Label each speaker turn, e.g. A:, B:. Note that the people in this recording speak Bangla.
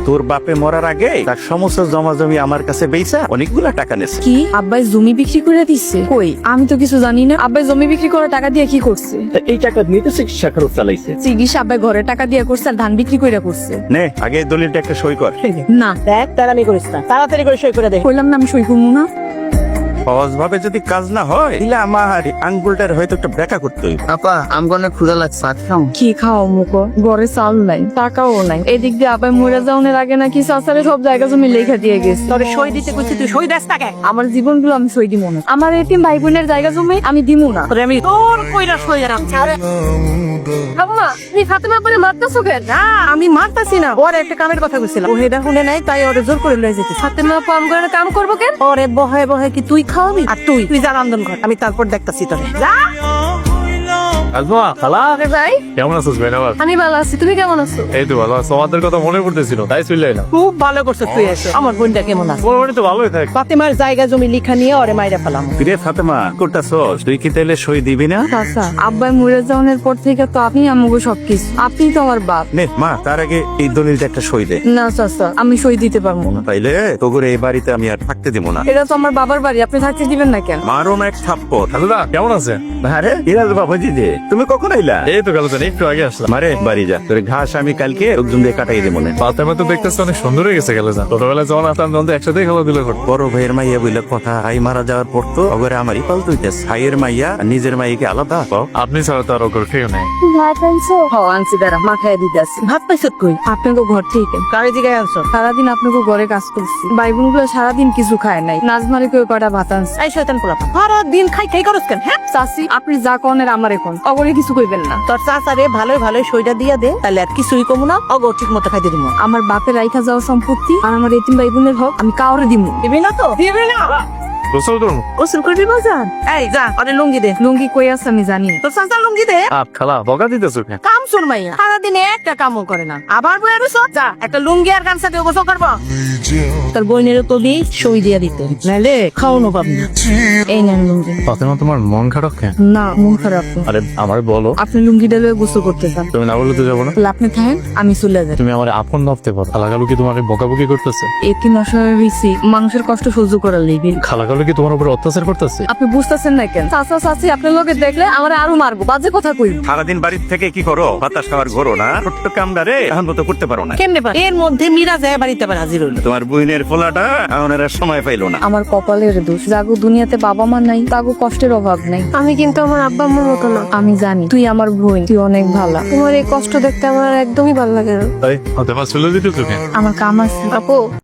A: তোর বাপে মরার আগে তার সমস্ত জমা জমি আমার কাছে বেচা অনেকগুলা টাকা নেছে।
B: কি আব্বাই জমি বিক্রি করে দিচ্ছে? কই, আমি তো কিছু জানি না। আব্বাই জমি বিক্রি করে টাকা দিয়ে কি করছে?
A: এই টাকা নিয়ে তো চিকিৎসা খরচ চালাইছে।
B: চিকিৎসা আব্বাই ঘরে টাকা দিয়ে করছে আর ধান বিক্রি করে করছে।
A: নে আগে এই দলিলটা একটা সই কর।
B: না
C: দেখ তাড়াতাড়ি করিস না, তাড়াতাড়ি করে সই করে দে।
B: কইলাম না আমি সই করবো না।
A: সহজ ভাবে যদি কাজ না হয় তাহলে আমার আঙ্গুলটার হয়তো একটা ব্যাখ্যা করতে হইব।
D: আপা আমগো অনেক ক্ষুধা লাগছে, ভাত খাও।
B: কি খাও মুখো? ঘরে চাল নাই, টাকাও নাই। এদিক দিয়ে আব্বাই মরে যাওয়ার আগে নাকি চাচারে সব জায়গা জমি লেখা দিয়ে গেছে।
C: তোরে সই দিতে কইছি, তুই সই দেস তাকে।
B: আমার জীবনগুলো আমি সই দিব না। আমার এতিম ভাই বোনের জায়গা জমি আমি দিব না।
C: তোরে আমি তোর কইরা সই রাখ।
B: আম্মা তুমি ফাতেমা বলে মারতেছো কেন?
C: না আমি মারতাছি না, ওর একটা কামের কথা কইছিলাম, ও হেডা শুনে নাই, তাই ওরে জোর করে লয়ে যেতে।
B: ফাতেমা পাম করে কাম করবো কেন?
C: ওরে বহে বহে কি তুই খাওয়াবি? আর তুই তুই যা রান্ধন ঘর, আমি তারপর দেখতাছি তোরে। যা
E: আজমা খালা
B: আরে ভাই
E: কেমন আছিস ভাই? আমার
B: আমি ভালো আছি, তুমি কেমন আছো?
E: এই তো ভালো আছো, তোমাদের কথা মনে পড়তেছিল তাই চলে এলাম।
C: খুব ভালো করছিস তুই এসে। আমার বোনটা কেমন আছে?
E: মোটামুটি তো ভালোই থাক।
C: ফাতেমার জায়গা জমি লিখা নিয়ে ওরে মাইরা ফেলাম।
A: কিরে ফাতেমা করতাছস? তুই কি তাইলে সই দিবি না?
B: চাচা আব্বাই মরে যাওয়ার পর থেকে তো আপনি আমাকে সবকিছু, আপনি তো আমার বাপ।
A: নে মা তার আগে এই দলিলটা একটা সই দে।
B: না চাচা আমি সই দিতে পারবো না।
A: তাইলে তোর এই বাড়িতে আমি আর থাকতে দিব না।
B: এটা তো আমার বাবার বাড়ি, আপনি থাকতে দিবেন না কেন?
A: মারো না এক থাপ্পড়।
E: খালুদা কেমন আছে?
A: আরে ইরাজ বাবাজি যে তুমি কখন আইলা?
E: এই তো খালুদা একটু আগে আসলাম।
A: মারে বাড়ি যা, তোর ঘাস আমি কালকে লোকজন দিয়ে কাটাই দেবো না।
E: ফাতেমা তো দেখতেছি অনেক সুন্দর হয়ে গেছে খালুদা। ছোটবেলায় যখন আসলাম তখন তো একসাথেই খেলা দিল করতো।
A: বড় ভাইয়ের মাইয়া বইলে কথা, হাই মারা যাওয়ার পর তো অগরে আমারই পালতে হইতেছে। ভাইয়ের মাইয়া আর নিজের মাইয়াকে আলাদা পাও?
E: আপনি ছাড়া তো আর ওর কেউ নেই।
B: ভাত আনছো? আনছি দাঁড়া, মাথায় দিতে আসি।
C: ভাত পাইছত কই?
B: আপনাকে ঘর থেকে
C: কারে জিগায় আনছো?
B: সারাদিন আপনাকে ঘরে কাজ করছি, ভাই বোন গুলো সারাদিন কিছু খায় নাই। নাজমারে কেউ কটা ভাত আনছে।
C: এই শয়তান পোলা, সারা দিন খাই খাই করস কেন? হ্যাঁ
B: চাচি আপনি যা কনের আমার এখন অগরে কিছু কইবেন না।
C: তোর চাচারে ভালোই ভালোই সইটা দিয়া দে, তাহলে আর কিছুই কমু না, অগো ঠিক মতো খাইতে দিব।
B: আমার বাপের রাইখা যাওয়া সম্পত্তি আর আমার এতিম ভাই বোনের হক আমি কাউরে দিব না।
C: দিবি না তো? দিবি না?
E: গোসল করুন।
C: গোসল করবি বাজার? এই যা ওরে লুঙ্গি দে।
B: লুঙ্গি কই আছে আমি জানি না।
C: তোর চাচা লুঙ্গি দে।
E: খালা বকা দিতেছো কেন?
C: কাম শুন মাইয়া, সারাদিন একটা কামও করে না, আবার বই আর যা একটা লুঙ্গি আর গামছা দিয়ে গোসল করবো। তোর বইনের তো দি সই দিয়া দিতে, নাইলে খাওয়ানো পাবি না।
B: এই নেন লুঙ্গি।
E: ফাতেমা তোমার মন খারাপ কেন?
B: না মন খারাপ না।
E: আরে আমার বলো,
B: আপনি লুঙ্গি ডালে গোসল করতে চান,
E: তুমি না বললে তো যাবো না।
B: তাহলে আপনি থাকেন আমি চলে যাই।
E: তুমি আমার আপন ভাবতে পারো। খালাকালু কি তোমাকে বকাবকি করতেছে?
B: এতিম অসহায় হয়েছি, মানুষের কষ্ট সহ্য করার লেগে।
E: খালাকালু কি তোমার উপর অত্যাচার করতেছে?
B: আপনি বুঝতেছেন না কেন? চাচা চাচি আপনার লোকে দেখলে আমার আরো মারবো, বাজে কথা কইব।
A: সারাদিন বাড়ির থেকে কি করো? বাতাস খাওয়ার ঘোরো না? ছোট্ট কামটা রে এখন মতো করতে পারো না।
C: কেমনে পার? এর মধ্যে মীরা যায় বাড়িতে আবার হাজির হইলো।
A: তোমার বুইনের ফোলাটা এখন আর সময় পাইলো না।
B: আমার কপালের দোষ, জাগো দুনিয়াতে বাবা মা নাই, তাগো কষ্টের অভাব নাই। আমি কিন্তু আমার আব্বা আম্মার মতো না। আমি জানি তুই আমার বোন, তুই অনেক ভালো। তোমার এই কষ্ট দেখতে আমার একদমই ভালো লাগে না।
E: তাই ফাতেমা চলে দিতেছো কেন?
B: আমার কাম আছে। আপু